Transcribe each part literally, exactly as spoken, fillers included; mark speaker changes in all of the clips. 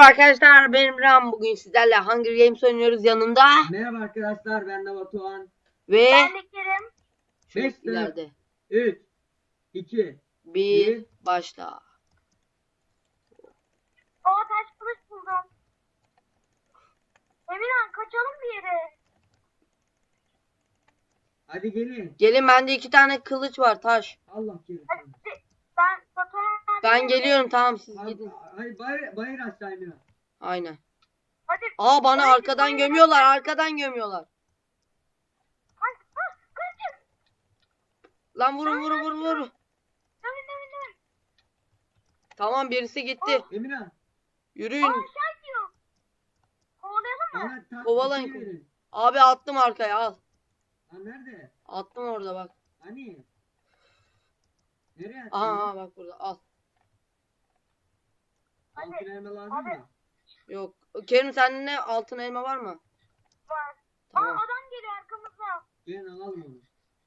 Speaker 1: arkadaşlar, benim Ram. Bugün sizlerle Hunger Games oynuyoruz. Yanımda
Speaker 2: Merhaba arkadaşlar, ben de Batuhan.
Speaker 1: ve
Speaker 3: Ben de Kerem.
Speaker 1: şu
Speaker 2: beş,
Speaker 1: ileride
Speaker 2: üç, iki,
Speaker 1: bir
Speaker 2: bir.
Speaker 1: başla.
Speaker 3: Aa, taş kılıç buldum. Emirhan, kaçalım bir yere.
Speaker 2: Hadi gelin.
Speaker 1: Gelin, bende iki tane kılıç var, taş.
Speaker 2: Allah gelin.
Speaker 3: Hadi ben Batuhan.
Speaker 1: Ben geliyorum, tamam, siz
Speaker 2: Hadi,
Speaker 1: gidin.
Speaker 2: hadi bayır, bayır aşağı Emine.
Speaker 1: Aynen.
Speaker 3: Hadi.
Speaker 1: Aa, bana
Speaker 3: Hadi,
Speaker 1: arkadan
Speaker 3: hadi.
Speaker 1: gömüyorlar, arkadan gömüyorlar.
Speaker 3: Hadi, hadi, kaçın.
Speaker 1: Lan vurun vurun vurun vurun.
Speaker 3: Dövün, dövün, dövün.
Speaker 1: Tamam, birisi gitti.
Speaker 2: Emine.
Speaker 3: Aa,
Speaker 1: Yürüyün.
Speaker 3: aşağı gidiyor. Kovalayalım mı?
Speaker 2: Bana ta-
Speaker 1: Kovalayın.
Speaker 2: bir şey verin.
Speaker 1: Abi attım arkaya, al.
Speaker 2: Ha nerede?
Speaker 1: Attım orada, bak.
Speaker 2: Hani? Nereye attın?
Speaker 1: Aha, aha bak burada, al.
Speaker 3: Hadi.
Speaker 2: Altın elma lazım
Speaker 3: Hadi.
Speaker 2: mı?
Speaker 1: Yok. Kerim, sende ne altın elma var mı?
Speaker 3: Var. Aa,
Speaker 1: Tamam.
Speaker 3: adam geliyor arkamızda.
Speaker 2: Gelin alalım onu.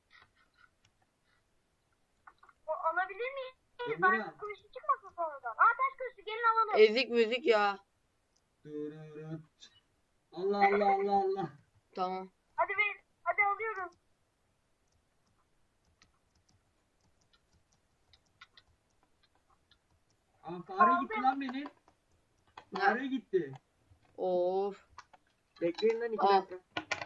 Speaker 3: O, alabilir miyiz?
Speaker 2: Emine.
Speaker 3: Ben kılıçlı çıkmasın sonradan. Aa, taş kılıçlı, gelin alalım.
Speaker 1: Ezik müzik ya.
Speaker 2: Dururut. Allah Allah Allah Allah.
Speaker 1: Tamam.
Speaker 3: Hadi ver. Hadi alıyorum.
Speaker 2: Aa, fare gitti lan benim.
Speaker 1: Ne?
Speaker 2: Fare gitti.
Speaker 1: Of.
Speaker 2: Bekleyin lan iki
Speaker 1: Aa.
Speaker 2: dakika.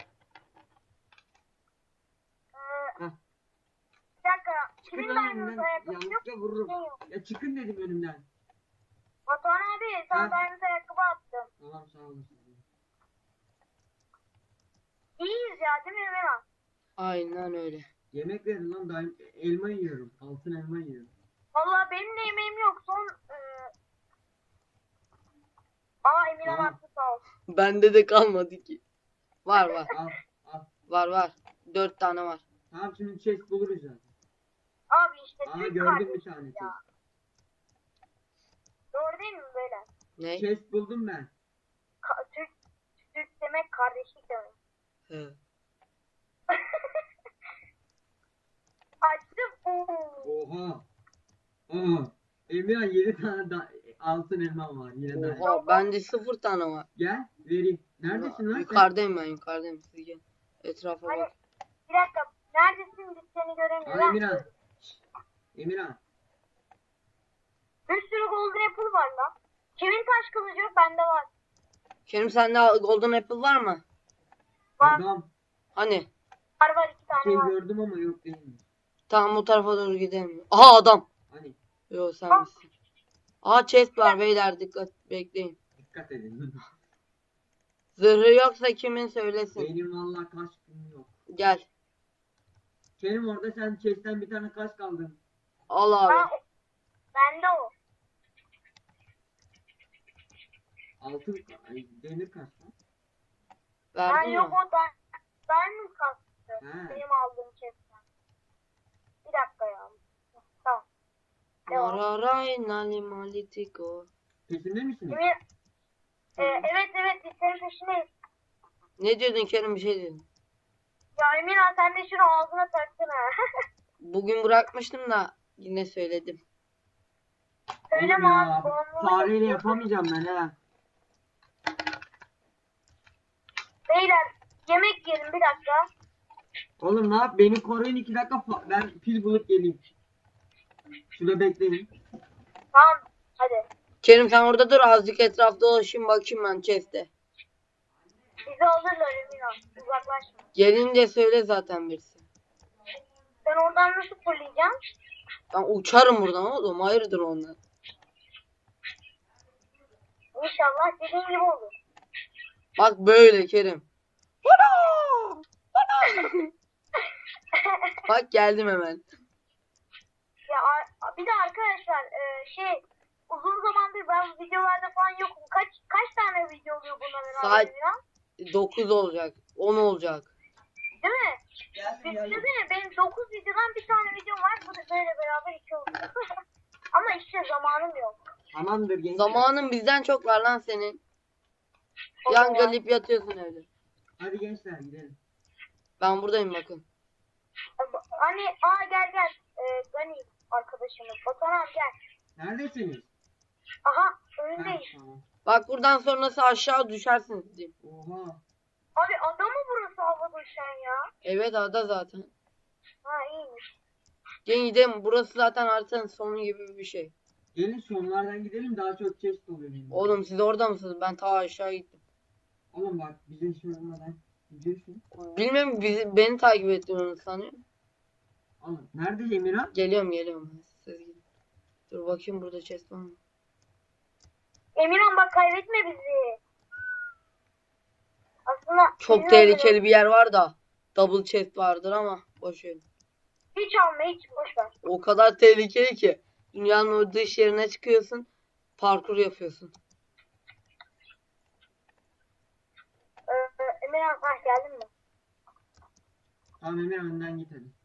Speaker 3: Ee,
Speaker 2: Heh.
Speaker 3: bir dakika.
Speaker 2: Çıkın
Speaker 3: Kimin
Speaker 2: lan
Speaker 3: diamond
Speaker 2: önümden.
Speaker 3: ayakkabı yok?
Speaker 2: Yanlışlıkla vururum.
Speaker 3: Şey yok.
Speaker 2: Ya çıkın dedim önümden.
Speaker 3: Batuhan abi, sana
Speaker 2: Ha.
Speaker 3: diamond ayakkabı attım.
Speaker 2: Tamam sağ olasın.
Speaker 3: İyiyiz ya, değil mi Emirhan?
Speaker 1: Aynen öyle.
Speaker 2: Yemek verin lan, daim elma yiyorum. Altın elma yiyorum.
Speaker 3: Vallahi benim de yemeğim yok. Son... E... Aa, Emirhan
Speaker 2: Tamam.
Speaker 3: attı, sağ ol.
Speaker 1: Bende de kalmadı ki. Var var.
Speaker 2: Al al.
Speaker 1: Var var. Dört tane var.
Speaker 2: Tamam şimdi chest buluruz zaten.
Speaker 3: Abi işte
Speaker 2: Aa
Speaker 3: Türk
Speaker 2: gördüm bir
Speaker 3: kardeşiz
Speaker 2: tane chest.
Speaker 3: ya. Doğru değil mi böyle?
Speaker 1: Ne?
Speaker 2: Chest buldum ben.
Speaker 3: Ka- Türk, Türk demek kardeşlik demek.
Speaker 1: He.
Speaker 3: Açtım. Oo.
Speaker 2: Oha. Aa. Emirhan yedi tane da altın elma var yine de.
Speaker 1: Oha, bende sıfır tane var.
Speaker 2: Gel vereyim. Neredesin lan sen?
Speaker 1: Yukarıdayım ben, yukarıdayım. Siz gelin. Etrafa
Speaker 3: Hani
Speaker 1: bak.
Speaker 3: bir dakika. Neredesin? Biz seni
Speaker 2: Aa
Speaker 3: göremiyoruz.
Speaker 2: Emirhan. Şşt. Emirhan.
Speaker 3: Bir sürü golden apple var lan. Kimin taş kılıcı yok? Bende var.
Speaker 1: Kerim, sende golden apple var mı?
Speaker 3: Var.
Speaker 2: Adam.
Speaker 1: Hani?
Speaker 3: Var var, iki tane
Speaker 2: Şey
Speaker 3: var.
Speaker 2: gördüm ama yok değil mi?
Speaker 1: Tamam, bu tarafa doğru gidelim. Aha, adam.
Speaker 2: Hani
Speaker 1: Yo, sen misin? Aha, chest var beyler, dikkat, bekleyin.
Speaker 2: dikkat edin.
Speaker 1: Zırhı yoksa kimin söylesin.
Speaker 2: Benim valla kaç gün yok.
Speaker 1: Gel.
Speaker 2: Benim orada sen chest'ten bir tane kaç kaldın.
Speaker 1: Al
Speaker 3: Ha,
Speaker 1: abi.
Speaker 3: o- bende o.
Speaker 2: Altın ay, demir kaç lan?
Speaker 3: Ha,
Speaker 1: Verdin
Speaker 3: yok
Speaker 1: mi?
Speaker 3: o da diamond kastı.
Speaker 2: He.
Speaker 3: Benim aldığım chest'ten. Bir dakika ya. Tamam. Devam.
Speaker 1: Mararay nali malitiko.
Speaker 2: Peşinde misiniz?
Speaker 3: Emir, e, evet evet, biz senin peşindeyiz.
Speaker 1: Ne diyordun Kerim, bir şey diyordun.
Speaker 3: Ya Emirhan, sen de şunu ağzına taksana.
Speaker 1: Bugün bırakmıştım da yine söyledim.
Speaker 3: Öyle
Speaker 2: Oğlum
Speaker 3: mi
Speaker 2: ya,
Speaker 3: abi? Bağımlılık
Speaker 2: fareyle
Speaker 3: yapıyor.
Speaker 2: yapamayacağım ben he.
Speaker 3: Beyler, yemek yiyelim bir dakika.
Speaker 2: Oğlum ne yap? Beni koruyun iki dakika. fa- Ben pil bulup geleyim. Şurada bekleyin.
Speaker 3: Tamam, hadi.
Speaker 1: Kerim, sen orada dur, azıcık etrafta dolaşayım, bakayım ben chest'e.
Speaker 3: Bizi alırlar Emirhan. Uzaklaşma.
Speaker 1: Gelince söyle zaten birisi.
Speaker 3: Ben oradan nasıl fırlayacağım?
Speaker 1: Ben uçarım buradan oğlum, hayırdır onlar.
Speaker 3: İnşallah dediğin gibi olur.
Speaker 1: Bak böyle Kerim. Ana! Ana! Bak geldim hemen.
Speaker 3: Ya a- bir de arkadaşlar e, şey uzun zamandır ben videolarda falan yokum. Kaç kaç tane video oluyor bununla
Speaker 1: Saat-
Speaker 3: beraber ya?
Speaker 1: dokuz olacak, on olacak.
Speaker 3: Değil mi? Düşünsene, benim dokuz videodan bir tane video var. Bu da böyle beraber iki oluyor. Ama işte zamanım yok.
Speaker 2: Tamamdır gençler.
Speaker 1: Zamanın bizden çok var lan senin.
Speaker 3: O
Speaker 1: Yan
Speaker 3: zaman-
Speaker 1: galip yatıyorsun evde.
Speaker 2: Hadi gençler gidelim.
Speaker 1: Ben buradayım, bakın.
Speaker 3: Hani aa gel gel. Ee, Gani arkadaşımız. Batuhan abi gel.
Speaker 2: Neredesiniz?
Speaker 3: Aha
Speaker 2: Ha,
Speaker 3: önündeyiz.
Speaker 2: tamam.
Speaker 1: Bak buradan sonrası aşağı düşersiniz diyeyim.
Speaker 2: Oha.
Speaker 3: Abi ada mı burası havada uçan ya?
Speaker 1: Evet ada zaten.
Speaker 3: Ha iyiymiş.
Speaker 1: Gelin gidelim. Burası zaten haritanın sonu gibi bir şey.
Speaker 2: Gelin sonlardan gidelim daha çok chest oluyor. benim.
Speaker 1: Oğlum siz orada mısınız? Ben ta aşağı gittim.
Speaker 2: Oğlum bak bize iş olmadan gidiyorsun.
Speaker 1: Bilmem bizi, beni takip ettiğini sanıyorum.
Speaker 2: Oğlum nerede Emirhan?
Speaker 1: Geliyorum geliyorum. Siz gidin. Dur bakayım burada chest var mı?
Speaker 3: Emirhan bak kaybetme bizi. Aslında
Speaker 1: Çok
Speaker 3: bizim
Speaker 1: tehlikeli
Speaker 3: öldürüyor.
Speaker 1: bir yer var da. Double chest vardır ama boş ver.
Speaker 3: Hiç alma hiç boş ver.
Speaker 1: O kadar tehlikeli ki. Dünyanın o dış yerine çıkıyorsun. Parkur yapıyorsun.
Speaker 3: Ee, Emirhan ha geldin mi?
Speaker 2: Tamam Emirhan önden git hadi.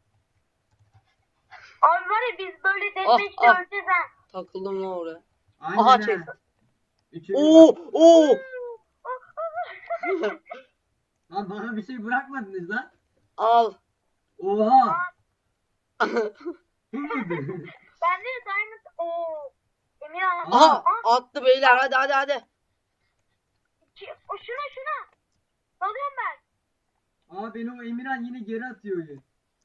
Speaker 3: Abi var ya biz böyle
Speaker 1: Ah,
Speaker 3: deathmatch'te
Speaker 1: ah.
Speaker 3: öleceğiz ha.
Speaker 1: Takıldım lan oraya.
Speaker 2: Aynen
Speaker 1: Aha
Speaker 2: ha.
Speaker 1: chest.
Speaker 2: Üçümüz
Speaker 1: Oo
Speaker 2: var.
Speaker 1: oo.
Speaker 2: Lan bana bir şey bırakmadınız lan.
Speaker 1: Al.
Speaker 2: Oha. Bu muydu?
Speaker 3: Bende de diamond. Oo. Emirhan.
Speaker 1: Aha
Speaker 3: Aa,
Speaker 1: attı beyler hadi hadi hadi.
Speaker 3: ki- o şuna şuna. Dalıyorum ben.
Speaker 2: Aa beni o Emirhan yine geri atıyor ya.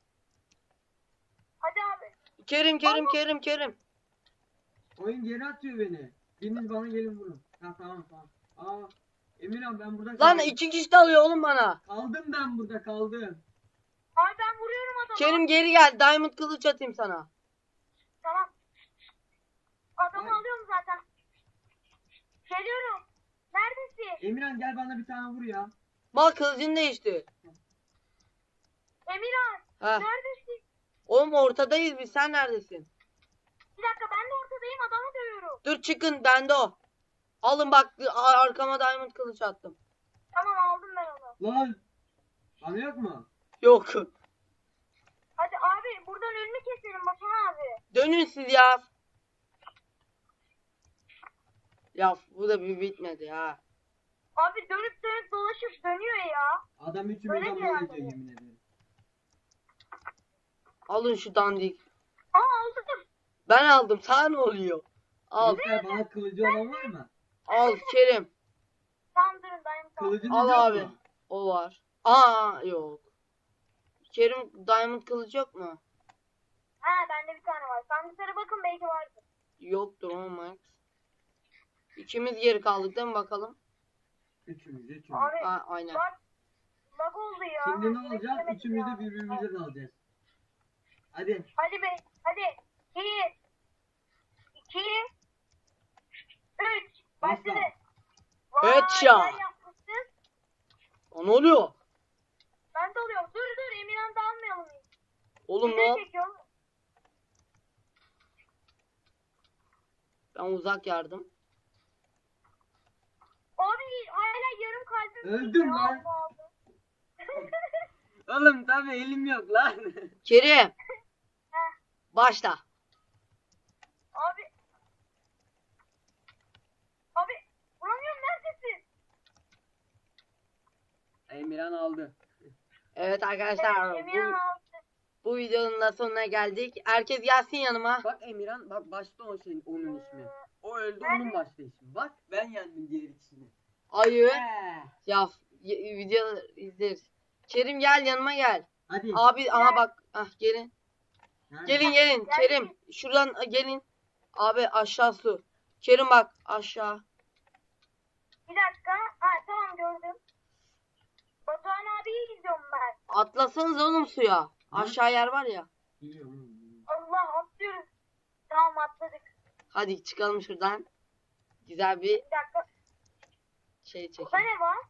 Speaker 3: Hadi abi.
Speaker 1: Kerim Kerim Kerim Kerim.
Speaker 2: Oyun geri atıyor beni. Biriniz bana gelin vurun. Ha tamam tamam. Aa Emirhan ben burada
Speaker 1: Lan
Speaker 2: kaldım.
Speaker 1: iki kişi de alıyor oğlum bana.
Speaker 2: Kaldım ben burada kaldım.
Speaker 3: Abi ben vuruyorum adamı.
Speaker 1: Kerim geri gel. Diamond kılıç atayım sana.
Speaker 3: Tamam. Adamı
Speaker 2: Ay.
Speaker 3: alıyorum zaten. Geliyorum. Neredesin?
Speaker 2: Emirhan gel bana bir tane vur ya.
Speaker 1: Bak kılıcın değişti.
Speaker 3: Emirhan.
Speaker 1: Ha.
Speaker 3: Neredesin?
Speaker 1: Oğlum ortadayız biz. Sen neredesin?
Speaker 3: Bir dakika ben de ortadayım adamı dövüyorum.
Speaker 1: Dur çıkın bende o. Alın bak a- arkama diamond kılıç attım.
Speaker 3: Tamam aldım ben onu.
Speaker 2: Lan. Bana yok mu?
Speaker 1: Yok.
Speaker 3: Hadi abi buradan önünü keselim Batuhan abi.
Speaker 1: Dönün siz ya. Ya bu da bir bitmedi ha.
Speaker 3: Abi dönüp dönüp dolaşıp dönüyor ya.
Speaker 2: Adam
Speaker 3: Öyle
Speaker 2: üçümüzden
Speaker 3: mi
Speaker 2: mal
Speaker 3: yani?
Speaker 2: ediyor yemin ederim.
Speaker 1: Alın şu dandik.
Speaker 3: Aa aldım.
Speaker 1: Ben aldım. Sana ne oluyor? Al.
Speaker 2: Gençler bana kılıcı olan var mı?
Speaker 1: Al Kerim.
Speaker 3: Tamam durun dayım tamam.
Speaker 2: Kılıcınız
Speaker 1: Al
Speaker 2: yok
Speaker 1: abi.
Speaker 2: mu?
Speaker 1: O var. Aa yok. Kerim diamond kılıç yok mu?
Speaker 3: Ha bende bir tane var. Sandıklara bakın belki vardır.
Speaker 1: Yoktur o Max. İkimiz geri kaldık değil mi bakalım?
Speaker 2: Üçümüz üçümüz.
Speaker 3: Abi
Speaker 1: Ha, aynen.
Speaker 3: bak. Lag oldu ya.
Speaker 2: Şimdi ne
Speaker 3: Yemek
Speaker 2: olacak?
Speaker 3: yemedim
Speaker 2: Üçümüz
Speaker 3: ya.
Speaker 2: de birbirimize dalacağız. Hadi.
Speaker 3: Hadi be. Hadi. Bir. İki. Üç. Başladı.
Speaker 2: Başla.
Speaker 3: Vay,
Speaker 1: Headshot.
Speaker 3: sen yapmışsın.
Speaker 1: Aa, ne oluyor?
Speaker 3: Ben de alıyorum. Dur dur Emirhan da almayalım.
Speaker 1: Oğlum
Speaker 3: Video
Speaker 1: ne?
Speaker 3: çekiyorum.
Speaker 1: Ben uzak yardım.
Speaker 3: Abi hala yarım kalbim.
Speaker 2: Öldüm
Speaker 3: ya.
Speaker 2: lan.
Speaker 3: Allah Allah.
Speaker 2: Oğlum tabii elim yok lan.
Speaker 1: Kerim.
Speaker 3: Heh.
Speaker 1: Başla.
Speaker 3: Abi. Abi. Vuramıyorum neredesin?
Speaker 2: Emirhan aldı.
Speaker 1: Evet arkadaşlar
Speaker 3: Evet, Emirhan
Speaker 1: bu,
Speaker 3: aldı.
Speaker 1: bu videonun da sonuna geldik. Herkes gelsin yanıma.
Speaker 2: Bak Emirhan bak başta o şeyin onun ismi. O öldü
Speaker 3: Ben-
Speaker 2: onun başta ismi. Bak ben yendim diğer ikisini.
Speaker 1: Ayı.
Speaker 2: He.
Speaker 1: Ya y- video izleriz. Kerim gel yanıma gel.
Speaker 2: Hadi.
Speaker 1: Abi aha bak. Ah gelin.
Speaker 2: Nerede?
Speaker 1: Gelin gelin.
Speaker 3: Gel.
Speaker 1: Kerim şuradan a, gelin. Abi aşağı su. Kerim bak aşağı.
Speaker 3: Bir dakika. Ha tamam gördüm. Batuhan abiyi izliyorum ben.
Speaker 1: Atlasanız oğlum suya. Aşağı yer var ya.
Speaker 2: Biliyorum, biliyorum.
Speaker 3: Allah atlıyoruz. Tamam atladık.
Speaker 1: Hadi çıkalım şuradan. Güzel bir
Speaker 3: Bir dakika.
Speaker 1: şey
Speaker 3: Burada
Speaker 1: çekelim.
Speaker 3: ne var?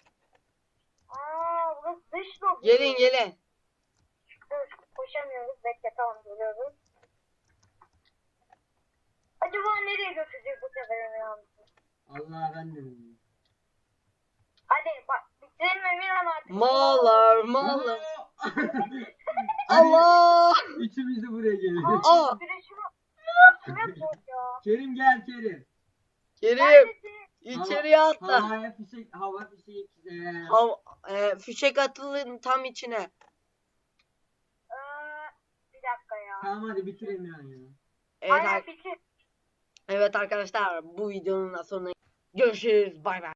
Speaker 3: Aa burası dış lobi.
Speaker 1: Gelin gelin.
Speaker 3: Dur koşamıyoruz. Bekle tamam geliyoruz. Acaba nereye götürecek bu sefer Emirhan?
Speaker 2: Allah ben de bilmiyorum.
Speaker 3: Hadi bak bitirelim Emirhan artık.
Speaker 1: Mallar mallar.
Speaker 2: Hadi.
Speaker 1: Allah.
Speaker 2: Üçümüz de buraya geliyoruz.
Speaker 1: Aa.
Speaker 3: Aa, güneşime. Güneşime koy ya.
Speaker 2: Kerim gel Kerim.
Speaker 1: Kerim
Speaker 3: Neredesin?
Speaker 1: içeriye atla.
Speaker 2: Havaya fişek, hava fişek. Ee,
Speaker 1: Hav e, fişek atılın tam içine.
Speaker 3: Ee, bir dakika ya.
Speaker 2: Tamam hadi bitir Emirhan ya.
Speaker 1: Evet,
Speaker 3: Aynen
Speaker 1: ar-
Speaker 3: bitir.
Speaker 1: Evet arkadaşlar bu videonun da sonuna görüşürüz. Bay bay.